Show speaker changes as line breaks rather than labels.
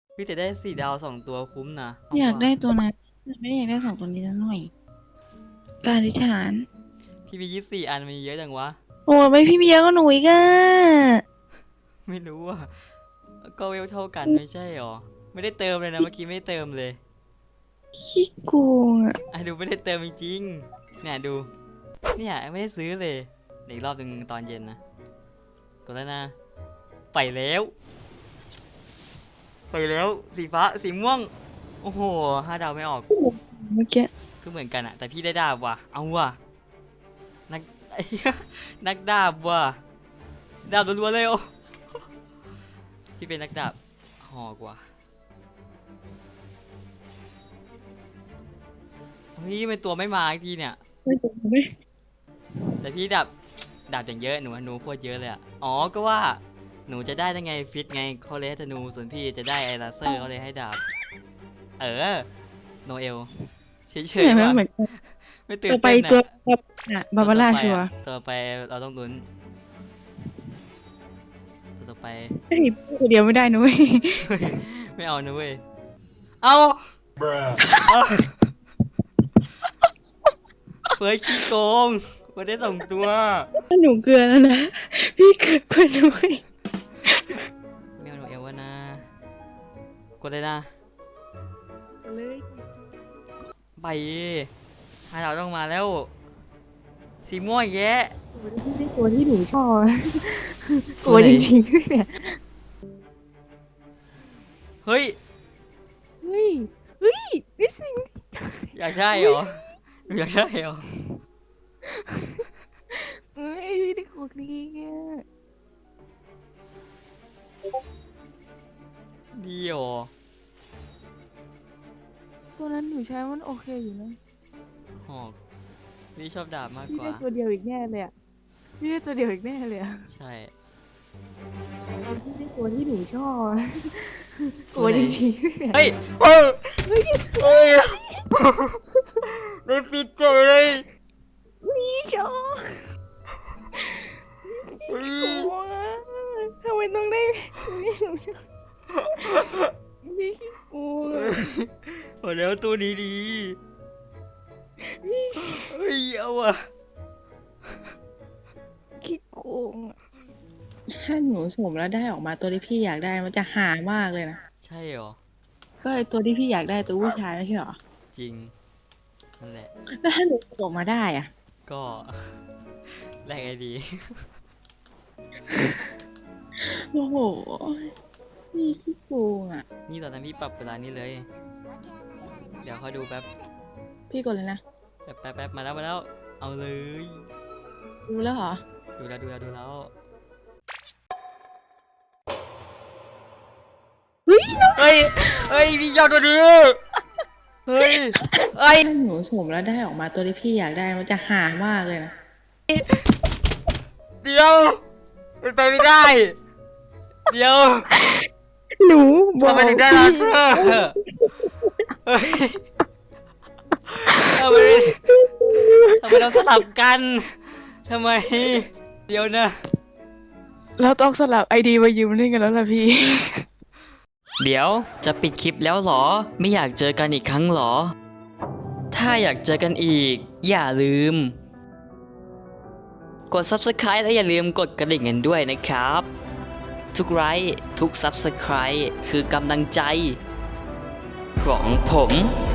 พี่จะได้4 ดาว2 ตัวคุ้มนะ
อยาก
ว่ะ
ได้ตัวนั้นไม่ได้อยากได้2 ตัวนี้ซะหน่อยการอธิษฐาน
พี่มี24 อันมีเยอะจังวะ
โอ้ไม่พี่เบียร์ก็หนูอีกอะ
ไม่รู้อ่ะก็เวลเท่ากันไม่ใช่หรอไม่ได้เติมเลยนะเมื่อกี้ไม่ได้เติมเลย
ขี้โกงอะ
ดูไม่ได้เติมจริงๆเนี่ยดูเนี่ยไม่ได้ซื้อเลยเดี๋ยวอีกรอบหนึ่งตอนเย็นนะกดแล้วนะไปแล้วสีฟ้าสีม่วงโอ้โห5 ดาวไม่ออก
เมื่อกี้
ก็เหมือนกันอะแต่พี่ได้ดาบว่ะเอาว่ะนัก นักดาบว่ะดาบรัวๆเลยโอ้พี่เป็นนักดาบหอกว่ะเฮ้ยเป็นตัวไม่มาอีกทีเนี่ย
ไม่ถูกไม่
แต่พี่ดาบอย่างเยอะหนูโคตรเยอะเลยอะอ๋อก็ว่าหนูจะได้ไงฟิตไงเขาเลยให้ธนูส่วนพี่จะได้ไอลาเซอร์เขาเลยให้ดาบโนเอลเฉย
เห็นไหม
ๆว่ะ
เหมือนกัน
ไม่ตื่
ตั
นเต้นอะ
วไปตัวอะบาบาร่าชัวร์
ต่อไปเราต้องลุ้นตัวต่อไป
เฮ้ยพูดคนเดียวไม่ได้นะเว้ย
ไม่เอานะเว้ยเอาเอาเฟิร์สขี้โกงมาได้2 ตัว
หนูเกลือแล้วนะพี่เกลือเพื่อนด้วย
ไม่เอาโนเอลวะนะกดเลยนะ
เลย
ไป5 ดาวต้องมาแล้วสีม่วงอีกแยะ
ตัวที่หนูชอบกลัวจริงๆด้วยเนี่ย
เฮ้ย
เฮ้ยเฮ้ยนี่สิง
อยากได้เหรอหนูอยากได้เหรอ
เฮ้ยนี่ของดีอ่ะ
ดีเหรอ
ตัวนั้นหนูใช้มันโอเคอยู่นะ
หอกพี่ชอบดาบมาก
พี่
กว่า
ได้ตัวเดียวอีกแน่เลยอ่ะพี่ได้ตัวเดียวอีกแน่เลยอ่ะ
ใช่
พี่ได้ตัวที่หนูชอบกลัวจริงๆด้วยเนี่ย
เฮ้ยเฮ้ยเฮ้ยได้ปิดเจอเลย
พี่ชอบกลัวทำไมต้องได้พี่หนูชอบพี่ขี้กลัว
โอ้แล้วตัวนี้ดีเฮ้ยเอาอะ
ขี้โกงอะถ้าหนูสุ่มแล้วได้ออกมาตัวที่พี่อยากได้มันจะหามากเลยนะ
ใช่เหรอ
ก็ไอตัวที่พี่อยากได้ตัวผู้ชายไม่ใช่เหรอ
จริงนั่นแหละ
แล้วถ้าหนูสุ่มมาได้อ่ะ
ก็ แลกไอดี
โอ้โหพี่ขี้โกงอ่ะ
นี่ตอนนั้นพี่ปรับเวลานี้เลย เดี๋ยวคอยดูแป๊บ
พี่กดเลยนะ
แป๊บมาแล้วเอาเลย
รู้แล้วเหรอ
ดูแล้ว
เฮ้ย
เฮ้ยพี่ยอดตัวนี้เฮ้ย
ถ้าหนูสุ่มแล้วได้ออกมาตัวที่พี่อยากได้มันจะหามากเลยนะ
เดี๋ยวเป็นไปไม่ได้ เดี๋ยว
หนูบอก
ทำไมถึงได้ลาเซอร์เฮ้ยทำไมเราสลับกันทำไมเดี๋ยวนะ
เราต้องสลับไอดีมายืมเล่นกันแล้วล่ะพี่
เดี๋ยวจะปิดคลิปแล้วเหรอไม่อยากเจอกันอีกครั้งเหรอถ้าอยากเจอกันอีกอย่าลืมกด Subscribe และอย่าลืมกดกระดิ่งกันด้วยนะครับทุกไลค์ทุก Subscribe คือกำลังใจของผม